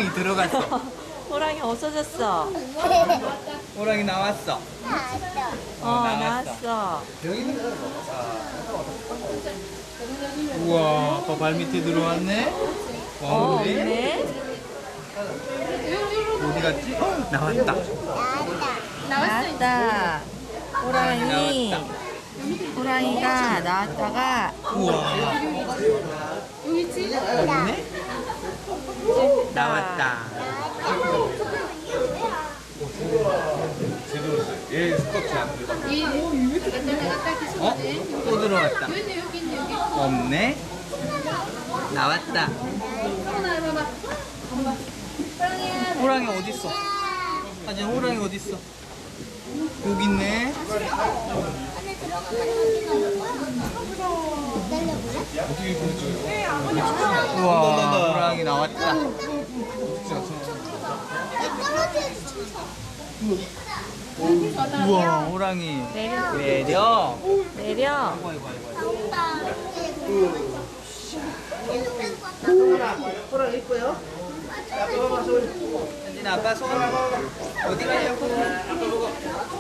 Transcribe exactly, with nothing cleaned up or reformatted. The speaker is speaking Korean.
호랑이 들어갔어. 호랑이 없어졌어. 호랑이 나왔어. 어, 나왔어. 여기 있는 거 우와, 아빠 발 밑에 들어왔네. 와, 어, 어디? 없네. 어디 갔지? 어, 나왔다. 나왔다. 호랑이. 나왔다. 호랑이가 나왔다가 우와. 어디네? 나왔다. 얘 스쿼트 안 돼. 어? 또 들어왔다. 없네. 나왔다. 호랑이 어디 있어? 아니 호랑이 어디 있어? 여기 있네. 어떻게 보내줘요? 우와, 호랑이 나왔다. 우와, 호랑이 내려. 내려. 내려. 아이고, 아이고, 아이고. 호랑 이뻐요? 현진아, 아빠 손 어디 가려고?